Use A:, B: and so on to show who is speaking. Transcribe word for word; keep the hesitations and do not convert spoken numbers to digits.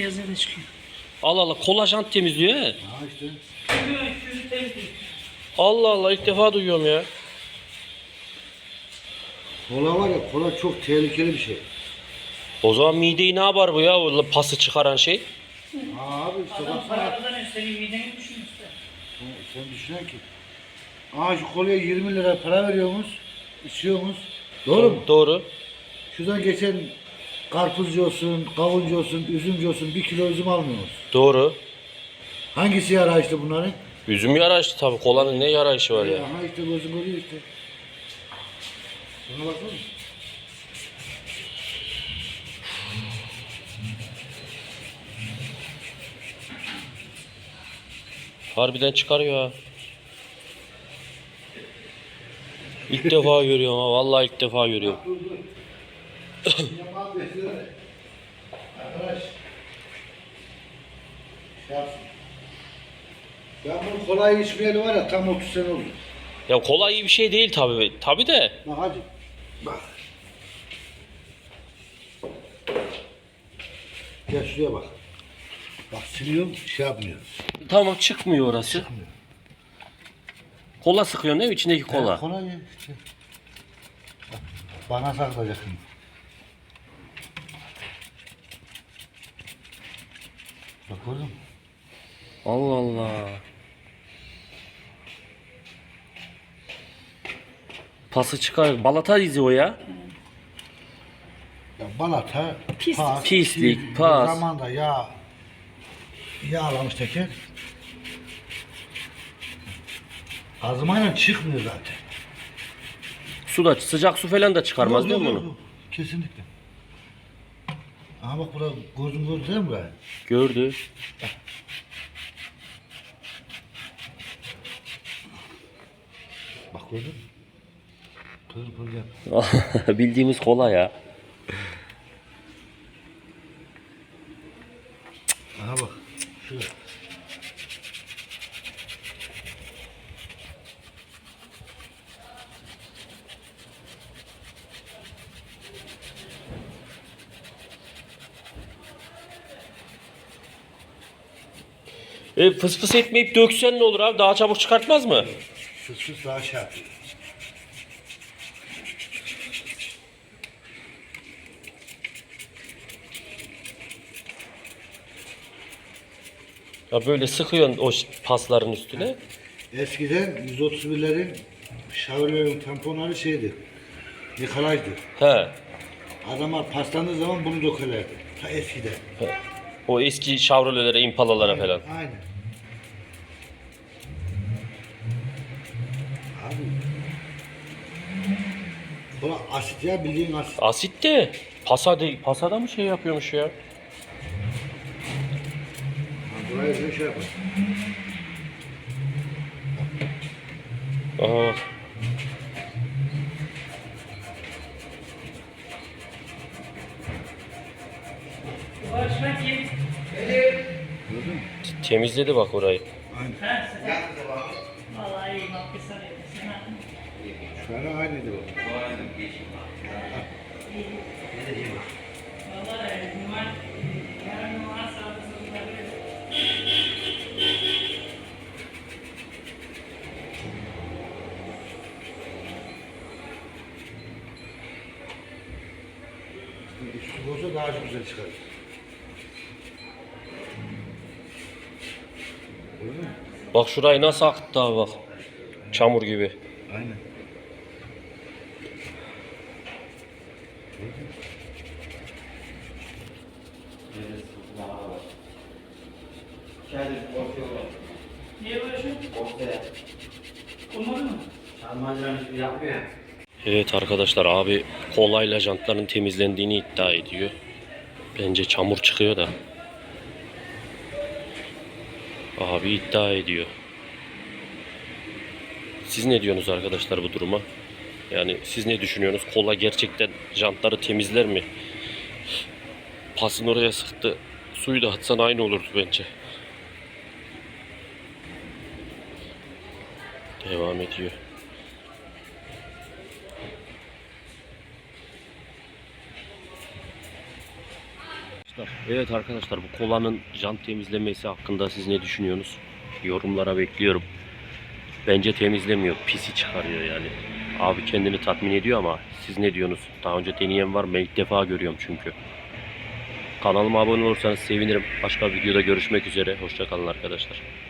A: beyazı da çıkıyor.
B: Allah Allah, kola jant temizliyor he.
C: Ha işte.
A: Yüzü temizliyor.
B: Allah Allah, ilk defa duyuyorum ya.
C: Kola var ya, kola çok tehlikeli bir şey.
B: O zaman mideyi ne yapar bu ya, o pası çıkaran şey?
C: Ha abi işte
A: Adam
C: baksana.
A: para kazanıyor, senin mideni düşün işte.
C: Sen, sen düşünen ki. Aa şu kolaya yirmi lira para veriyormuş, içiyormuş. Doğru mu?
B: Doğru.
C: Şuradan geçen karpuzcu olsun, kavuncu olsun, üzümcü olsun bir kilo üzüm almıyoruz.
B: Doğru.
C: Hangisi yara işte bunların?
B: Üzüm yara işte tabii, kolanın ne yara işi var ya.
C: Aha işte gözüm görüyor işte. Buna baksana.
B: Harbiden çıkarıyor ha. İlk defa görüyorum ha, vallahi ilk defa görüyorum.
C: Dur dur. Yaman besliyor. Arkadaş. Şey yapsın. Ben bunu kolay içmeyeli var ya tam otuz sene oldu.
B: Ya kola iyi bir şey değil tabii. Tabii de.
C: Bak hadi. Bak. Gel şuraya bak. Bak siliyorum şey yapmıyor.
B: Tamam, çıkmıyor orası.
C: Çıkmıyor.
B: Kola sıkıyorsun değil mi? İçindeki kola.
C: Evet, kolay ya. Işte. Bak, bana saklayacak şimdi. Bak gördün mü?
B: Allah Allah. Pası çıkar. Balata izi o ya.
C: Ya balata,
A: Pis-
C: pas,
B: pislik,
C: bir
B: pas.
C: zamanda yağ yağlamış teker. Azmayla çıkmıyor zaten.
B: Su da, sıcak su falan da çıkarmaz
C: Yok,
B: değil
C: yok,
B: mi
C: yok,
B: bunu?
C: yok. Kesinlikle. Aha bak burada gözüm gördü değil mi buraya?
B: Gördü.
C: Bak gördün mü? Pır pır yap.
B: Bildiğimiz kola ya.
C: Aha bak. Şurada.
B: E, fıs fıs etmeyip döksen ne olur abi? Daha çabuk çıkartmaz mı?
C: Fıs fıs daha şey yapıyor.
B: Ya böyle sıkıyorsun o ş- pasların üstüne.
C: Eskiden yüz otuz birlerin şavrilerin tamponları şeydi. Nikolaj'dı.
B: He.
C: Adamlar paslandığı zaman bunu dökerlerdi. Ta eskiden.
B: O eski Chevrolet'lere, Impala'lara falan.
C: Aynen. Abi. Bu asit ya bildiğin asit.
B: Asit de pasa de, pasada mı şey yapıyormuş ya?
C: Ha, buraya bir şey yapar.
B: Aha.
A: Uğraşmak iyi.
C: Gördün mü?
B: Temizledi bak orayı.
C: Aynen.
A: Ha, sen. Vallahi iyi bak, bir sarıydı sana.
C: Şu an aynıydı bu.
A: Vallahi numara, yarın numara sağda satılabilir.
C: Üstü olsa daha çok güzel çıkar. Gördün mü?
B: Bak şurayı nasıl aktı abi bak. Çamur gibi.
C: Aynen.
A: Niye böyle şey? Olmadı mı?
B: Evet arkadaşlar, abi kolayla jantların temizlendiğini iddia ediyor. Bence çamur çıkıyor da. Abi iddia ediyor. Siz ne diyorsunuz arkadaşlar bu duruma? Yani siz ne düşünüyorsunuz? Kola gerçekten jantları temizler mi? Pasın oraya sıktı. Suyu da atsan aynı olurdu bence. Devam ediyor.
C: arkadaşlar.
B: Evet arkadaşlar, bu kolanın jant temizlemesi hakkında siz ne düşünüyorsunuz? Yorumlara bekliyorum. Bence temizlemiyor. Pisi çıkarıyor yani. Abi kendini tatmin ediyor ama siz ne diyorsunuz? Daha önce deneyen var mı? Ben ilk defa görüyorum çünkü. Kanalıma abone olursanız sevinirim. Başka bir videoda görüşmek üzere. Hoşça kalın arkadaşlar.